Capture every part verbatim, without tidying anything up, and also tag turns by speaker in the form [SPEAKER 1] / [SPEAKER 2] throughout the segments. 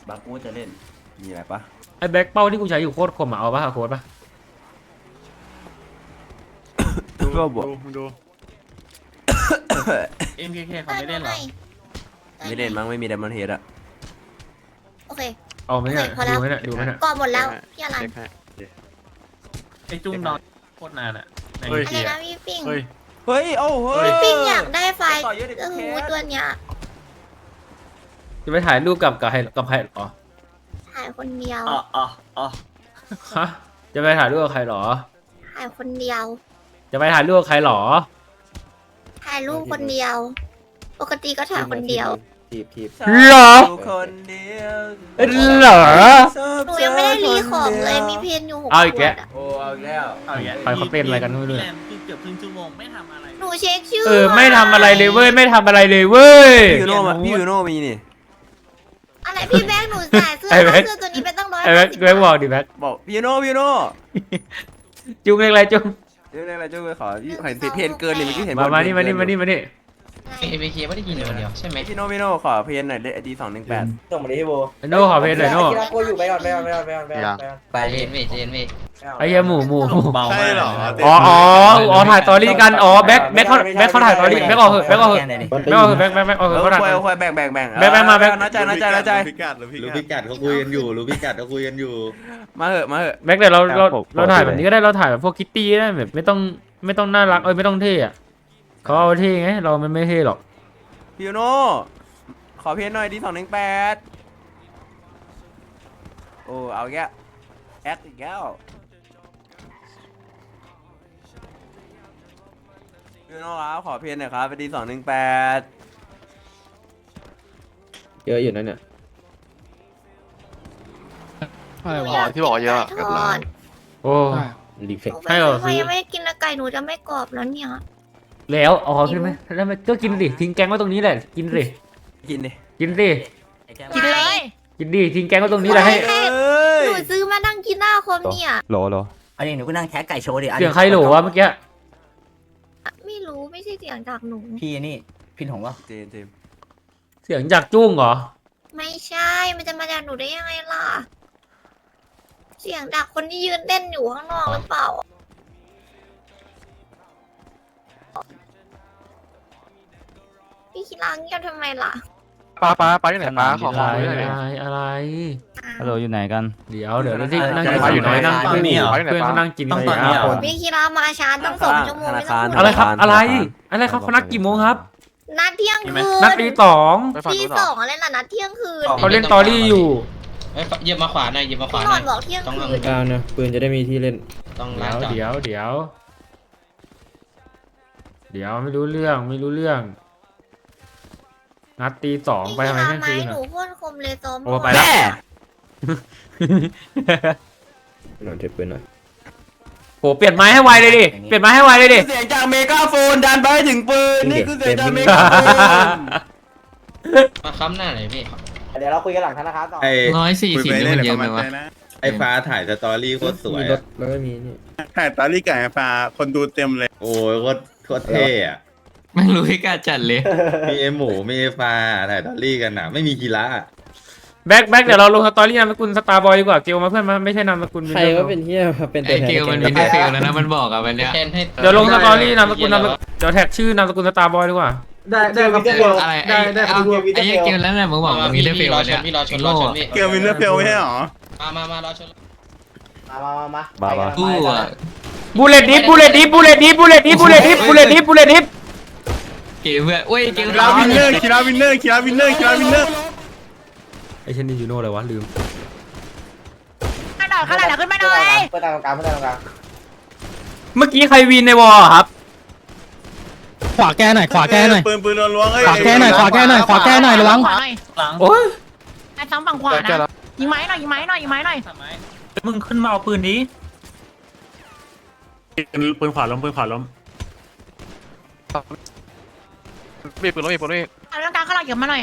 [SPEAKER 1] บางกูจะเล่นมีอะไรปะ
[SPEAKER 2] ไอ้แบ็คเป้าที่กูใช้อยู่โคตรคมอ่ะเอาปะโค้ดปะ
[SPEAKER 3] ดูดูดู
[SPEAKER 4] เอ็มเคเคเขาไม่เล่นหรอ
[SPEAKER 1] ไม่เล่นมั้งไม่มีไดมอนด์เฮดอะ
[SPEAKER 5] โอเค
[SPEAKER 2] เอาไหมเนี่ยดูไหมเนี่ยดูไหมเนี่ย
[SPEAKER 5] ก่อหมดแล้วพี่อลัน
[SPEAKER 4] ไอ้จุ้งนอนโคตรนานอ่ะใน
[SPEAKER 5] อะไร
[SPEAKER 4] เกีย
[SPEAKER 5] นะพี่ปิง
[SPEAKER 3] เฮ้ย
[SPEAKER 1] เฮ้ยโอ้เฮ้ย
[SPEAKER 5] พี่ปิงอยากได้ไฟ
[SPEAKER 1] ต่อเยอะดิ
[SPEAKER 5] โอ้โห
[SPEAKER 1] แคท
[SPEAKER 5] ตัวเนี้ย
[SPEAKER 2] จะไปถ่ายรูปกับกับใครกับใครหรอ
[SPEAKER 5] ถ่ายคนเดียว
[SPEAKER 1] อ๋ออ๋ออ๋อ
[SPEAKER 2] ฮะจะไปถ่ายรูปกับใครหรอ
[SPEAKER 5] ถ่ายคนเดียว
[SPEAKER 2] จะไปถ่ายรูปกับใครหรอ
[SPEAKER 5] ถ่ายรูปคนเดียว ปกติก็ถ่ายคนเดียว
[SPEAKER 1] ทีบทีบ
[SPEAKER 2] หรอ
[SPEAKER 1] คนเดียว
[SPEAKER 2] เหรอ
[SPEAKER 5] หนูยังไม่ได้รีของเลยมีเพนอยู่หก
[SPEAKER 2] เอาอีกแก
[SPEAKER 5] ขวดอะ
[SPEAKER 1] โอ้เอาอีกแล้ว
[SPEAKER 4] เอาอย่างเงี้ย
[SPEAKER 2] ไปเขาเต้นอะไรกันไม่รู้เนี่ย
[SPEAKER 4] แลนคือเกือบครึ่งชั่วโมงไม่ทำอะไร
[SPEAKER 5] หนูเช็คชื่อ
[SPEAKER 2] เออไม่ทำอะไรเลยเว้ยไม่ทำอะไรเลยเว้ย
[SPEAKER 1] พี่ยูโน่มาพี่ยูโน่มีนี่
[SPEAKER 5] อะไรพี่แบงค์หนูจ่ายเสื้อ
[SPEAKER 2] ไอ้แบ็ค
[SPEAKER 5] เสื้อตัวนี้เป็นตั้งร้อย
[SPEAKER 2] ไอ้แบ็คแบ็คบอกดิแบ็ค
[SPEAKER 1] บอกพี่ยูโน่พี่ยูโน่
[SPEAKER 2] จุงเรียกอะไรจุง
[SPEAKER 1] เรื่องอะไรจุ๊บไปขอเห็นเพนเกินนี่เมื่อกี้เห็น
[SPEAKER 2] มามานี่มานี่มานี่มานี่
[SPEAKER 6] เอ บี เคไม่ได้กินอยู่คนเดียวใช่ไหม
[SPEAKER 1] พี่โน่พี่โน่ขอเพนหน่อยไอดีสองหนึ่งแปด
[SPEAKER 7] ส่งมาดิพี่โบ
[SPEAKER 2] ไอ้โน่ขอเพลงหน่อยโน่
[SPEAKER 7] กีฬาโกอยู่ไปก่อนไปก่อนไปก่อนไปก่อนไปก่อนไปก่อน
[SPEAKER 6] ไปเจนเวทเจนเวท
[SPEAKER 2] ไอ้เหี้ยหมูหมูหมู
[SPEAKER 4] เบา
[SPEAKER 3] ใช่
[SPEAKER 4] มาก
[SPEAKER 3] เหรอ
[SPEAKER 2] อ๋ออ๋ออ๋อถ่ายตอรี่กันอ๋อแบ็คแบ็คเขาแบ็คเขาถ่ายตอรี่แบ็คออกเหอะแบ็คออกเหอะแบ็คออกเหอะแบ็คแบ็คแบ็คออกเห
[SPEAKER 1] เอ
[SPEAKER 2] อะ
[SPEAKER 1] อ
[SPEAKER 2] เขาถ่าย
[SPEAKER 1] ควายควายแบ่งแบ่งแบ่ง
[SPEAKER 2] แบ่งแบ่งมาแบ่ง
[SPEAKER 1] น้อยใจน้อยใจน้อยใจ
[SPEAKER 3] พิกัดหรือพิ
[SPEAKER 8] รู้
[SPEAKER 3] กั
[SPEAKER 8] พิ
[SPEAKER 3] ด
[SPEAKER 8] กัดเขาคุยกันอยู่รู้พิกัดเขาคุยกันอยู่
[SPEAKER 1] มาเหอะมาเหอะ
[SPEAKER 2] แบ็คเดี๋ยวเราเราเราถ่ายแบบนี้ก็ได้เราถ่ายแบบพวกคิตตี้ได้แบบไม่ต้องไม่ต้องน่ารักเอ้ยไม่ต้องเท่อะเขาเอาเท่ไงเรามันไม่เท่หรอก
[SPEAKER 1] พี่ยูโน่ขอเพนหน่อยดีสองหนึ่งแปดโอ้เอาแกแอคอีกแล้วพี่ยูโน่ครับขอเพนหน่อยครับไปดีสองหนึ่งแปด
[SPEAKER 7] เยอะอยู่นั่นเนี่ย
[SPEAKER 5] อะไรวะที่บอกเยอะทอด
[SPEAKER 2] โอ้
[SPEAKER 7] รีเฟก
[SPEAKER 2] ให้เหรอ
[SPEAKER 5] ทำไมยังไม่ได้กินไก่หนูจะไม่กรอบแล้วเนี่ย
[SPEAKER 2] แล้วอ๋อขึ้นไหมแล้วมันก็กินดิทิ้งแกงไว้ตรงนี้แหละกินดิ
[SPEAKER 1] กินดิ
[SPEAKER 2] กินดิ
[SPEAKER 5] กินเลย
[SPEAKER 2] กินดิทิ้งแกงไว้ตรงนี้แหละให้
[SPEAKER 1] เอ้ย
[SPEAKER 5] หนูซื้อมานั่งกินหน้าคอมเนี่ย
[SPEAKER 7] โหลโหล
[SPEAKER 9] อันนี้หนูก็นั่งแคะไก่โชว์ดิอัน
[SPEAKER 2] เสี
[SPEAKER 9] นี้
[SPEAKER 2] ยงใครโหลวะเมื่อกี้
[SPEAKER 5] ไม่รู้ไม่ใช่เสียงจากหนู
[SPEAKER 9] พี่นี่พี่หงวะ
[SPEAKER 1] เจนเจม
[SPEAKER 2] เสียงจากจุ้งเหรอ
[SPEAKER 5] ไม่ใช่มันจะมาจากหนูได้ยังไงล่ะ เสียงจากคนที่ยืนเต้นอยู่ข้างนอกหรือเปล่าพี่คิดลางเงียบทำไมล่ะ
[SPEAKER 7] ป้าป้าป้าอยู่ไหนป้าขอข
[SPEAKER 2] อะ
[SPEAKER 7] อ
[SPEAKER 2] ไร
[SPEAKER 7] ด้วยหน่อย
[SPEAKER 2] อะไรอะไร
[SPEAKER 7] ฮัลโหลอยู่ไหนกัน
[SPEAKER 2] เดี๋ยวเดี๋ยวที่นั่ง
[SPEAKER 3] จะ
[SPEAKER 2] กิน
[SPEAKER 3] มา
[SPEAKER 2] อ
[SPEAKER 3] อยู่
[SPEAKER 2] ยู่
[SPEAKER 3] ไหน
[SPEAKER 2] น้อยนั่ง
[SPEAKER 3] ตอนนี้เหรอ
[SPEAKER 2] เพื่อนเขานั่งกิน
[SPEAKER 4] ต้องตอนนี้เหรอ
[SPEAKER 5] พี่คิดลามาช้าตั้งสองชั่วโมงไม่ต้องพูด
[SPEAKER 2] อะไรครับอะไรอะไรครับเขานัดกี่โมงครับ
[SPEAKER 5] นัดเที่ยงคืน
[SPEAKER 2] นัดตีสอง
[SPEAKER 5] ตีสองอะไรล่ะนัดเที่ยงคืน
[SPEAKER 2] เขาเล่นตอรี่อยู่
[SPEAKER 6] เอ้ยเหยียบมาขวาหน่อยเหยียบมาขวา
[SPEAKER 5] พี่
[SPEAKER 6] ห
[SPEAKER 5] น
[SPEAKER 6] น่
[SPEAKER 5] อ
[SPEAKER 6] อน ย
[SPEAKER 5] บอกเที่ยงคืน
[SPEAKER 7] ก้าวนะปืนจะได้มีที่เล่น
[SPEAKER 6] ต้องล้าง
[SPEAKER 2] เดี๋ยว
[SPEAKER 6] จอด
[SPEAKER 2] เดี๋ยวเดี๋ยวเดี๋ยวไม่รู้เรื่องไม่รู้เรื่อง นัดตีสองไปทำไม
[SPEAKER 5] พี่
[SPEAKER 2] เที่ยง
[SPEAKER 5] คิดลา
[SPEAKER 2] คืน
[SPEAKER 5] ห
[SPEAKER 2] อ่ะ
[SPEAKER 5] นูโคตรคมเลยซ้อม
[SPEAKER 2] โอ้ไปแล้ว
[SPEAKER 7] หน่อยเทปปืนหน่อย
[SPEAKER 2] โหเปลี่ยนไม้ให้ไวเลยดิเปลี่ยนไม้ให้ไวเลยดิ
[SPEAKER 1] เสียงจากเมกาโฟนดันไปให้ถึงปืนนี่คือเสียงจากเมกาโฟน
[SPEAKER 6] มาค้ำหน้าหน่อยพี่
[SPEAKER 7] เดี๋ยวเราคุยกันหลังธนาคารต่อ
[SPEAKER 8] ไอ
[SPEAKER 4] ร้อยสี่
[SPEAKER 3] คุย
[SPEAKER 4] สิบ
[SPEAKER 3] ไป
[SPEAKER 4] นี่
[SPEAKER 3] เรื่อย
[SPEAKER 4] มัน
[SPEAKER 3] เดี๋
[SPEAKER 4] เย
[SPEAKER 3] ยว
[SPEAKER 4] อะ
[SPEAKER 3] เขามาเจอนะ
[SPEAKER 4] ไหมวะ
[SPEAKER 8] ไอฟ้าถ่ายสตอรี่โคตรสวย
[SPEAKER 7] มีรถ
[SPEAKER 8] อะ
[SPEAKER 7] แล้วก็มีนี่
[SPEAKER 3] ถ่ายตอรี่ไก่ฟ้าคนดูเต็มเลย
[SPEAKER 8] โอ้ยโคตรโคตรเท่อะ
[SPEAKER 4] ไม่รู้พิกัดจัดเลย
[SPEAKER 8] มีเอหมูมีเอฟ้าถ่ายสตอรี่กันอะไม่มีกีฬา
[SPEAKER 2] แบ็คแบ็คเดี๋ยวเราลงสตอรี่นามสกุลสตาร์บอยดีกว่าเกลมาเพื่อนมาไม่ใช่นามสกุล
[SPEAKER 7] ใครก็เป็นเฮียเป็นตัว
[SPEAKER 4] ไอ
[SPEAKER 7] แทน
[SPEAKER 4] เกลมันมีเดฟิลแล้วนะมันบอกอะวันเนี้ย
[SPEAKER 6] แทนให้
[SPEAKER 2] เดี๋ยวลงสตอรี่นามสกุลนามสกุลเดี๋ยวแท็กชื่อนามสกุลสตาร์บอยดีกว่า
[SPEAKER 7] ได้ได้ครับพี่เกล
[SPEAKER 4] อะไร
[SPEAKER 7] ได้ได้ครับพี่
[SPEAKER 4] ไอ้เกลแล้วแหละมึงบอก
[SPEAKER 6] มา
[SPEAKER 4] มี
[SPEAKER 6] พี่
[SPEAKER 4] เดฟิ
[SPEAKER 6] พี่
[SPEAKER 4] ล
[SPEAKER 6] รอ
[SPEAKER 4] วัน
[SPEAKER 6] ช
[SPEAKER 4] เนี้
[SPEAKER 6] น
[SPEAKER 4] ย
[SPEAKER 6] พี่รอชนรอชนพี่
[SPEAKER 3] เกลวินเนอร์เฟลไม่ใช่หรอ
[SPEAKER 6] มามามารอชน
[SPEAKER 7] มามามา
[SPEAKER 4] บ้าบ้ากูอะ
[SPEAKER 2] บูเลตดิฟบูเลตดิฟบูเลตดิฟบูเลตดิฟบูเลตดิฟบูเลตดิฟบูเลตดิฟ
[SPEAKER 4] เกลเพื่อนโอ้ยเกล
[SPEAKER 3] คิราวินเนอร์คิราวินเนอร์คิราวินเนอร์คิราวินเนอร์
[SPEAKER 2] ไอเช่นนี่ยูโน่อะไรวะลืม
[SPEAKER 5] ขนาดขนาดขึ้นมาหน่อย
[SPEAKER 7] เพื่อนตรงกลางเพื่อนตรงกลาง
[SPEAKER 2] เมื่อกี้ใครวีนในวอลครับ
[SPEAKER 7] ขวาแก้หน่อยขวาแก้หน่อย
[SPEAKER 3] ปืนปืนล้วงๆเอ้ย
[SPEAKER 7] ขวาแก้หน่อยขวาแก้หน่อยขวาแก้หน่อยระวัง
[SPEAKER 5] ขวาหน่อย
[SPEAKER 4] หลัง
[SPEAKER 2] โอ้ย
[SPEAKER 5] ไอ้ซ้ำฝั่งขวานะยิงไม้หน่อยยิงไม้หน่อยยิงไม้หน่อย
[SPEAKER 4] มึงขึ้นมาเอาปืนนี้
[SPEAKER 3] ปืนขวาล้มปืนขวาล้ม
[SPEAKER 7] มีปืนแล้วมีปืนแล้ว
[SPEAKER 5] เอาเรื่องการข้างหลังเก็บมาหน่อย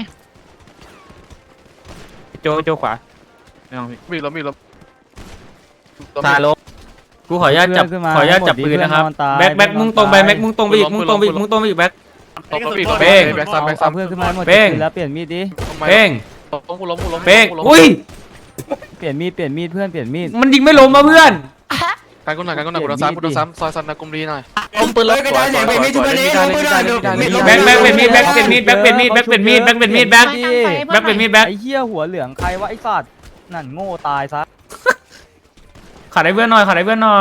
[SPEAKER 7] โจโจขวามีล้มมีล้ม
[SPEAKER 2] ตาลบกูขออนุญาตจับขออนุญาตจับปืนนะครับแบ็คแบ็คมุ่งตรงไปแบ็คมุ่งตรงไปอีกมุ่งตรงไปอีกมุ่งตรงไปอีกแบ็ค
[SPEAKER 3] ตบปีก
[SPEAKER 2] เป้ง
[SPEAKER 7] แบกซ้ำแบกซ้ำเพื่อนขึ้นมาหมด
[SPEAKER 2] เป้ง
[SPEAKER 7] แล้วเปลี่ยนมีดดิ
[SPEAKER 2] เป้ง
[SPEAKER 7] ล้มกูล้มกูล้ม
[SPEAKER 2] เป้งอุ้ย
[SPEAKER 7] เปลี่ยนมีดเปลี่ยนมีดเพื่อนเปลี่ยนมีด
[SPEAKER 2] มันยิงไม่ล้มมาเพื่อน
[SPEAKER 7] กันกูหน่อยกันกูหน่อยกูโดนซ้ำกูโดนซ้ำซอยซันนะกุมรีหน่อย
[SPEAKER 1] ลมปืนเลยกระจายเสียงไปมีจุดนี้ลมปืนเลย
[SPEAKER 2] แบ็คแบ็คเป็นมีดแบ็คเป็นมีดแบ็คเป็นมีดแบ็คเป็นมีดแบ็คเป็นมีดแบ็คแบ็คเป็นมีดแบ็ค
[SPEAKER 7] ไอ้เหี้ยหัวเหลืองใครวะไอ้สัตว์นั่นโง่ตายซะ
[SPEAKER 2] ขาดให้เพื่อนหน่อยขาดให้เพื่อนหน่อย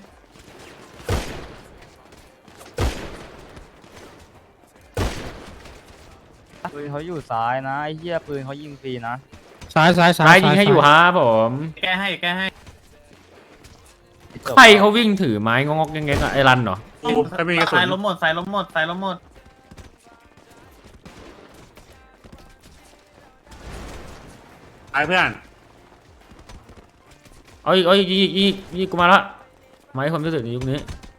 [SPEAKER 7] ปืนเขาอยู่ซ้ายนะไอ้เหี้ยปืนเขายิงฟรีนะซ้ายซ้ายซ้า
[SPEAKER 2] ซ้าย ยยิงให้อยู่ฮะผม
[SPEAKER 4] แก้ให้แก้ให้
[SPEAKER 2] ใครเขาวิ่งถือไม้งอกๆแงงๆอะไอ้รันเหรอ
[SPEAKER 3] ถ้ามีกระสุ
[SPEAKER 4] สาย
[SPEAKER 3] น
[SPEAKER 4] ล้มหมดสายล้มหมดสายล้มหมด
[SPEAKER 3] ไอ้เพื่อน
[SPEAKER 2] เอาอีกเอาอีกอีกอีกอีกกูมาละไม้ความรู้สึกในยุคนี้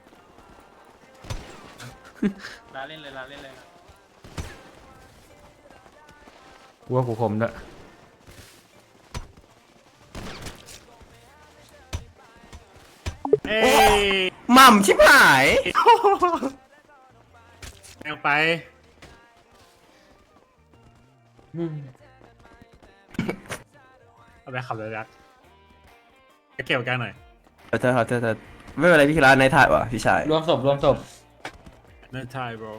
[SPEAKER 4] ลาเล่นเลยลาเล่นเลย
[SPEAKER 2] กูว่ากูคมด้วย
[SPEAKER 3] เอ้ย
[SPEAKER 1] หม่ำชิบหาย
[SPEAKER 3] แองไป เอาไปขับเลยรักจะเกี่ยวกันหน่อย
[SPEAKER 1] ขอโทษขอโทษขอโทษไม่เป็นไรพี่คิราในถ่ายว่ะพี่ชาย
[SPEAKER 2] รวมศพรวมศพ
[SPEAKER 3] นั่นใช่ bro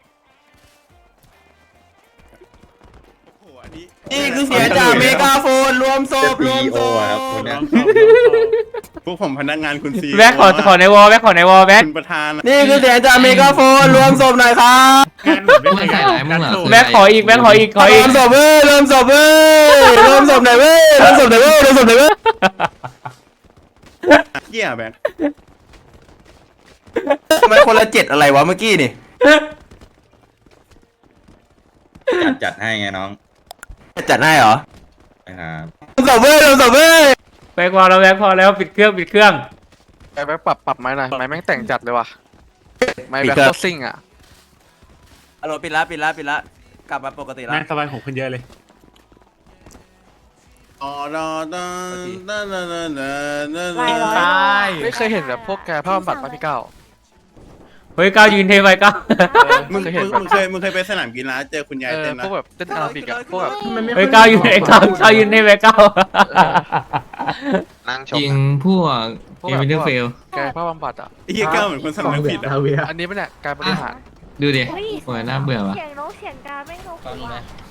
[SPEAKER 1] นี่คือเสียงจากเมกาโฟนรวมศ
[SPEAKER 8] จะ
[SPEAKER 1] พร
[SPEAKER 8] ซี
[SPEAKER 1] วม
[SPEAKER 8] โอ
[SPEAKER 1] ศพ
[SPEAKER 8] ครับคนเนี้ย
[SPEAKER 3] พวกผมพนักงานคุณซี
[SPEAKER 2] แบ็คขอขอในวอลแบ็คขอในวอลแบ็ค
[SPEAKER 3] คุณประธาน
[SPEAKER 1] นี่คือเสียงจากเมกาโฟนรวมศพหน่อยครับ
[SPEAKER 6] มึงใส่หลายมึงเหรอ
[SPEAKER 2] แบ็คขออีกแบ็คขออีกขอ
[SPEAKER 1] ร
[SPEAKER 2] อี
[SPEAKER 1] ว
[SPEAKER 2] ก
[SPEAKER 1] มศพเว้ยรวมศพเว้ยรวมศพหน่อยเว้ยรวมศพหน่อยเว้ยรวมศพหน่อยเว้ย
[SPEAKER 3] เกี่ยแบ็ค
[SPEAKER 1] ทำไมคนละเจ็ดอะไรวะเมื่อกี้นี่
[SPEAKER 8] จัดจัดให้ไงน้อง
[SPEAKER 1] จัดให้เหรอ
[SPEAKER 8] นะครับ
[SPEAKER 1] รวมศพเว้ยรวมศพเว้ย
[SPEAKER 2] แบ็คพอแล้วแบ็คพอแล้วปิดเครื่องปิดเครื่อง
[SPEAKER 7] ไอ้แบ็คปรับปรับไม้หน่อยไม้แม่งแต่งจัดเลยว่ะไม้แบ็คโคตรซิ่งอ่ะ
[SPEAKER 1] อารมณ์ปิดละปิดละปิดละกลับมาปกติละ
[SPEAKER 3] แม่งสบายผมขึ้นเยอะเลยอ๋อดอดอดอดอดอดอดอ
[SPEAKER 4] ตาย
[SPEAKER 7] ไม่เคยเห็นแบบพวกแกผ้าบำบัดป่ะพี่เก้า
[SPEAKER 2] เฮ้ยก้าวยืนเทไปก้าว
[SPEAKER 3] มึง
[SPEAKER 7] เคย
[SPEAKER 3] มึ
[SPEAKER 7] เห็น
[SPEAKER 3] ง
[SPEAKER 7] แบบ
[SPEAKER 3] มึงเคยมึงเคยไปสนามกีฬาเจอคุณยาย
[SPEAKER 7] เออ
[SPEAKER 3] เต้น
[SPEAKER 7] พ
[SPEAKER 3] นะ
[SPEAKER 7] วกแบบเต้นอาราบิกอะพวกแบบ
[SPEAKER 2] เฮ้ยก้าวยืนไอ้ก้าวก้าวยืนเทไปก้าว
[SPEAKER 7] นั่งช
[SPEAKER 6] จริ
[SPEAKER 7] ม
[SPEAKER 6] งพวก
[SPEAKER 7] พวก
[SPEAKER 6] เอ
[SPEAKER 7] แบบ
[SPEAKER 6] วินเดอร์เฟล
[SPEAKER 7] แกผ้าบำบัดอ่ะ
[SPEAKER 3] ไอ้เหี้ยก้าวเหมือนคนสำนึกผิดอ่ะ
[SPEAKER 7] อันนี้ไม่เนี่ยการบริหาร
[SPEAKER 6] ดูดิโอ้ยน่าเบื่อว่ะ
[SPEAKER 5] เสียงนกเสียงกาไม่นก
[SPEAKER 6] ฟัง
[SPEAKER 5] หัว
[SPEAKER 6] ไหม